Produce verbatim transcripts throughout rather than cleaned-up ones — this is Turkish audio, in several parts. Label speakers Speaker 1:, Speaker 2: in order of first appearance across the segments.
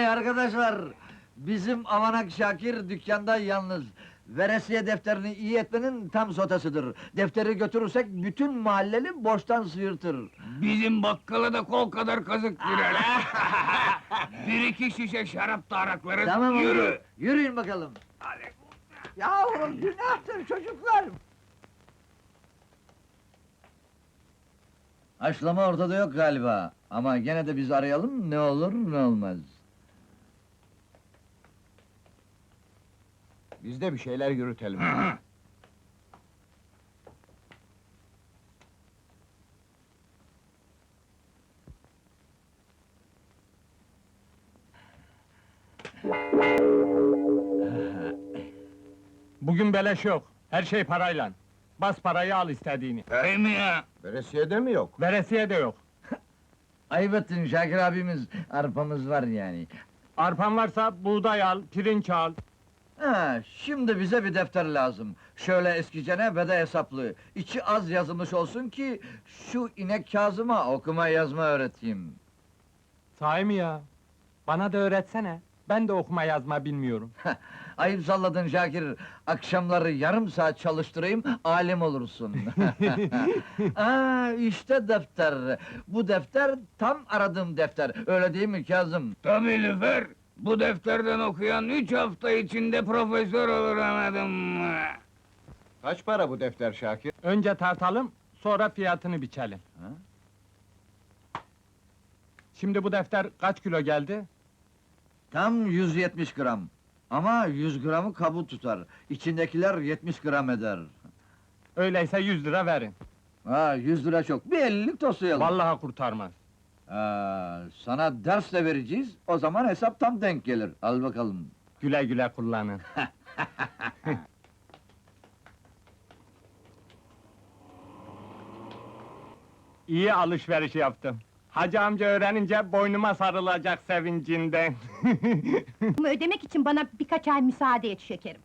Speaker 1: arkadaşlar! Bizim Avanak Şakir dükkanda yalnız. Veresiye defterini iyi etmenin tam sotasıdır. Defteri götürürsek bütün mahalleli borçtan sıyırtır.
Speaker 2: Bizim bakkala da kol kadar kazık girer. Bir iki şişe şarap da araklarız,
Speaker 1: Tamam oldu,
Speaker 2: yürü!
Speaker 1: yürüyün bakalım.
Speaker 2: Hadi.
Speaker 1: Yavrum, günahtır çocuklar! Haşlama ortada yok galiba. Ama gene de biz arayalım, ne olur ne olmaz.
Speaker 3: Biz de bir şeyler yürütelim.
Speaker 4: Bugün beleş yok, her şey parayla. Bas parayı al istediğini.
Speaker 2: Öyle mi ya?
Speaker 3: Veresiye mi yok?
Speaker 4: Veresiye de yok.
Speaker 1: Ayıp ettin Şakir abimiz, arpamız var yani.
Speaker 4: Arpan varsa buğday al, pirinç al.
Speaker 1: Ha, şimdi bize bir defter lazım. Şöyle eskicene ve de hesaplı. İçi az yazılmış olsun ki... ...şu inek Kazım'a okuma yazma öğreteyim.
Speaker 4: Sahi mi ya? Bana da öğretsene. Ben de okuma yazma bilmiyorum.
Speaker 1: Ayıp salladın Şakir. Akşamları yarım saat çalıştırayım, alim olursun. Aa, işte defter. Bu defter tam aradığım defter. Öyle değil mi Kazım?
Speaker 2: Tabii Lüfer! Bu defterden okuyan üç hafta içinde profesör olur, anladın mı?
Speaker 3: Kaç para bu defter Şakir?
Speaker 4: Önce tartalım, sonra fiyatını biçelim.
Speaker 1: Ha?
Speaker 4: Şimdi bu defter kaç kilo geldi?
Speaker 1: Tam yüz yetmiş gram. Ama yüz gramı kabuğu tutar. İçindekiler yetmiş gram eder.
Speaker 4: Öyleyse yüz lira verin.
Speaker 1: Ha, yüz lira çok. Bir ellilik toslayalım.
Speaker 4: Vallahi kurtarmaz.
Speaker 1: Ha, sana ders de vereceğiz. O zaman hesap tam denk gelir. Al bakalım.
Speaker 4: Güle güle kullanın. İyi alışveriş yaptım. Hacı amca öğrenince boynuma sarılacak sevincinden.
Speaker 5: Bunu ödemek için bana birkaç ay müsaade et şekerim.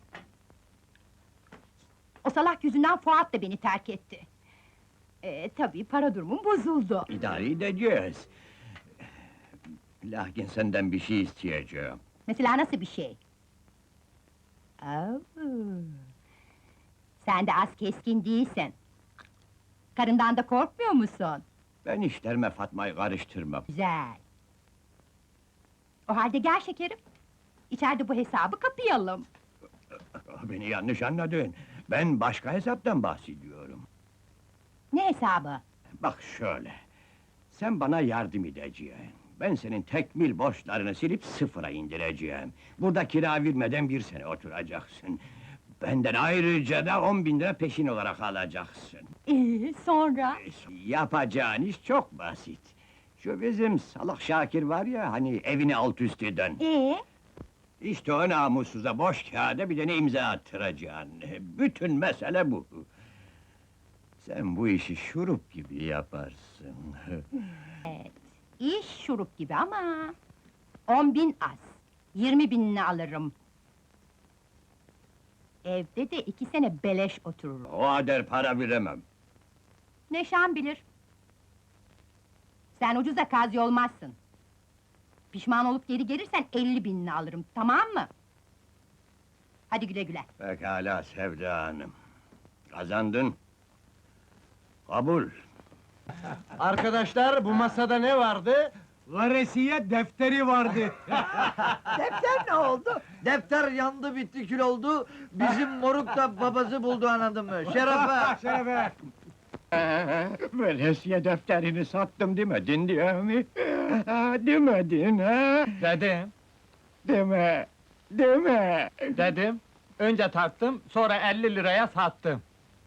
Speaker 5: O salak yüzünden Fuat da beni terk etti. Ee, tabii para durumum bozuldu.
Speaker 6: İdare edeceğiz. Lakin senden bir şey isteyeceğim.
Speaker 5: Mesela nasıl bir şey? Oo. Sen de az keskin değilsin. Karından da korkmuyor musun?
Speaker 6: Ben işlerime Fatma'yı karıştırmam.
Speaker 5: Güzel. O halde gel şekerim. İçeride bu hesabı kapayalım.
Speaker 6: Beni yanlış anladın. Ben başka hesaptan bahsediyorum.
Speaker 5: Ne hesabı?
Speaker 6: Bak şöyle. Sen bana yardım edeceksin. Ben senin tekmil borçlarını silip sıfıra indireceğim. Burada kira vermeden bir sene oturacaksın. Benden ayrıca da on bin lira peşin olarak alacaksın.
Speaker 5: Ee, sonra?
Speaker 6: Yapacağın iş çok basit. Şu bizim salak Şakir var ya, hani evini alt üst eden.
Speaker 5: Ee?
Speaker 6: İşte o namussuza boş kağıda bir tane imza attıracaksın. Bütün mesele bu. Sen bu işi şurup gibi yaparsın.
Speaker 5: İş şurup gibi ama... On bin az. Yirmi binini alırım. Evde de iki sene beleş otururum.
Speaker 6: O kadar para veremem.
Speaker 5: Neşan bilir. Sen ucuza kazi olmazsın. Pişman olup geri gelirsen elli binini alırım, tamam mı? Hadi güle güle.
Speaker 6: Pekala Sevda Hanım. Kazandın. Kabul.
Speaker 4: Arkadaşlar, bu masada ne vardı?
Speaker 3: Veresiye defteri vardı.
Speaker 1: Defter ne oldu? Defter yandı bitti kül oldu. Bizim moruk da babası buldu anladın mı? Şerefe!
Speaker 3: Şerefe!
Speaker 6: Veresiye defterini sattım demedin diye mi? Demedin ha?
Speaker 4: Dedim,
Speaker 6: Deme! Deme!
Speaker 4: dedim. Önce tarttım, sonra elli liraya sattım.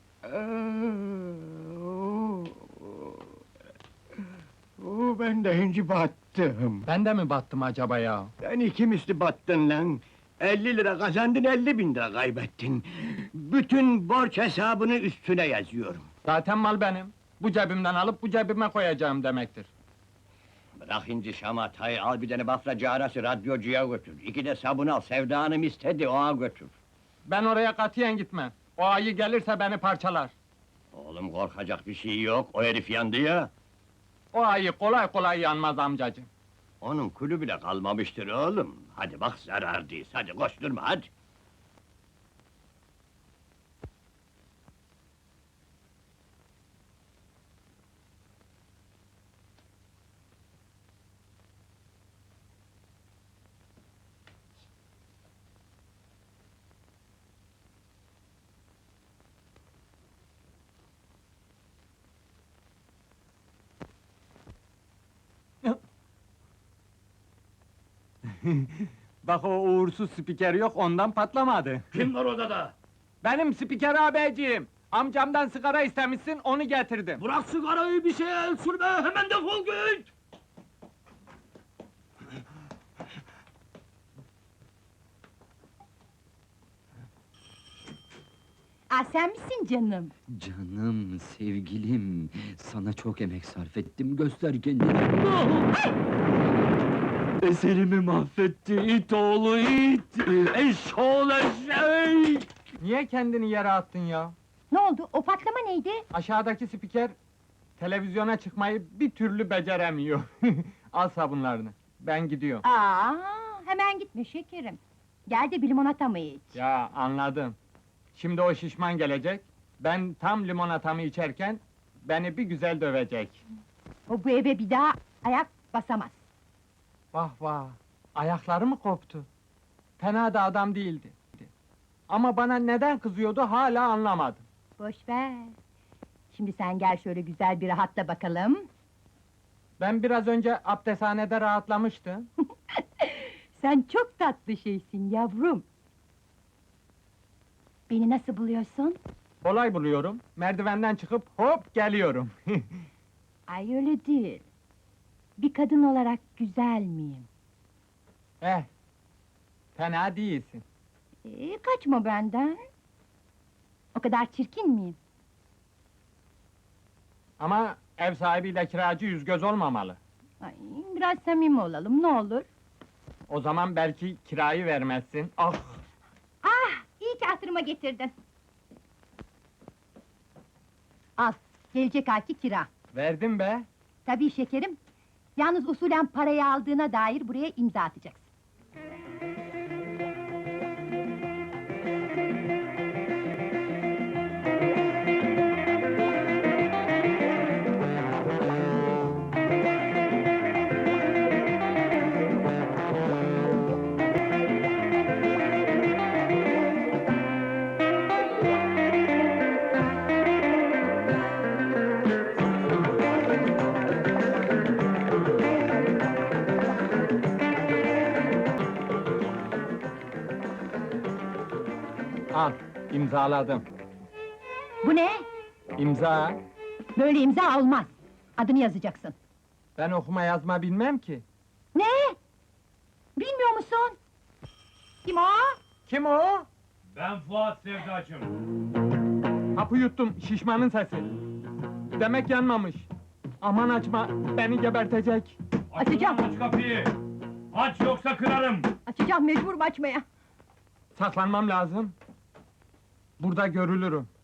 Speaker 6: Oo, ben de önce battım.
Speaker 4: Ben de mi battım acaba ya?
Speaker 6: Ben iki misli battın lan! elli lira kazandın, elli bin lira kaybettin. Bütün borç hesabını üstüne yazıyorum.
Speaker 4: Zaten mal benim. Bu cebimden alıp bu cebime koyacağım demektir.
Speaker 6: Bırak inci şamatayı, al bir tane bafracı arası radyocuya götür. İki de sabun al, Sevda Hanım istedi, ona götür.
Speaker 4: Ben oraya katiyen gitmem. O ayı gelirse beni parçalar.
Speaker 6: Oğlum korkacak bir şey yok, o herif yandı ya.
Speaker 4: O ayı kolay kolay yanmaz amcacığım.
Speaker 6: Onun kulü bile kalmamıştır oğlum. Hadi bak zarardayız, hadi koşturma hadi.
Speaker 4: Bak o uğursuz spiker yok, ondan patlamadı.
Speaker 6: Kim var odada?
Speaker 4: Benim spiker abeciğim! Amcamdan sigara istemişsin, onu getirdim.
Speaker 6: Bırak sigarayı, bir şeye el sürme, hemen defol git!
Speaker 5: Aa, sen misin canım?
Speaker 7: Canım, sevgilim, sana çok emek sarf ettim, göster kendini. Eserimi mahvetti, it oğlu it! Eşşoğlu eşek!
Speaker 4: Niye kendini yere attın ya?
Speaker 5: Ne oldu? O patlama neydi?
Speaker 4: Aşağıdaki spiker, televizyona çıkmayı bir türlü beceremiyor. Al sabunlarını, ben gidiyorum.
Speaker 5: Aa, hemen gitme şekerim. Gel de bir limonata mı iç?
Speaker 4: Ya anladım. Şimdi o şişman gelecek, ben tam limonatamı içerken, beni bir güzel dövecek.
Speaker 5: O bu eve bir daha ayak basamaz.
Speaker 4: Vah vah, ayakları mı koptu? Fena da adam değildi. Ama bana neden kızıyordu hala anlamadım.
Speaker 5: Boş ver. Şimdi sen gel şöyle güzel bir rahatla bakalım.
Speaker 4: Ben biraz önce abdesthanede rahatlamıştım.
Speaker 5: Sen çok tatlı şeysin yavrum. Beni nasıl buluyorsun?
Speaker 4: Kolay buluyorum, merdivenden çıkıp hop geliyorum.
Speaker 5: Ay öyle değil. Bir kadın olarak güzel miyim?
Speaker 4: eh, fena değilsin.
Speaker 5: Ee, kaçma benden. O kadar çirkin miyim?
Speaker 4: Ama ev sahibiyle kiracı yüz göz olmamalı.
Speaker 5: Ay, biraz samimi olalım, ne olur.
Speaker 4: O zaman belki kirayı vermezsin. Ah!
Speaker 5: Ah, iyi ki hatırıma getirdin. Al, gelecek ayki kira.
Speaker 4: Verdim be!
Speaker 5: Tabii şekerim. Yalnız usulen parayı aldığına dair buraya imza atacaksın.
Speaker 4: Al, imzaladım.
Speaker 5: Bu ne?
Speaker 4: İmza!
Speaker 5: Böyle imza olmaz. Adını yazacaksın.
Speaker 4: Ben okuma yazma bilmem ki.
Speaker 5: Ne? Bilmiyor musun? Kim o?
Speaker 4: Kim o?
Speaker 2: Ben Fuat Sevdacım.
Speaker 4: Hapı yuttum, şişmanın sesi. Demek yanmamış. Aman açma, beni gebertecek.
Speaker 5: Açacağım.
Speaker 2: Aç kapıyı! Aç yoksa kırarım!
Speaker 5: Açacağım, mecburum açmaya.
Speaker 4: Saklanmam lazım. Burada görülürüm.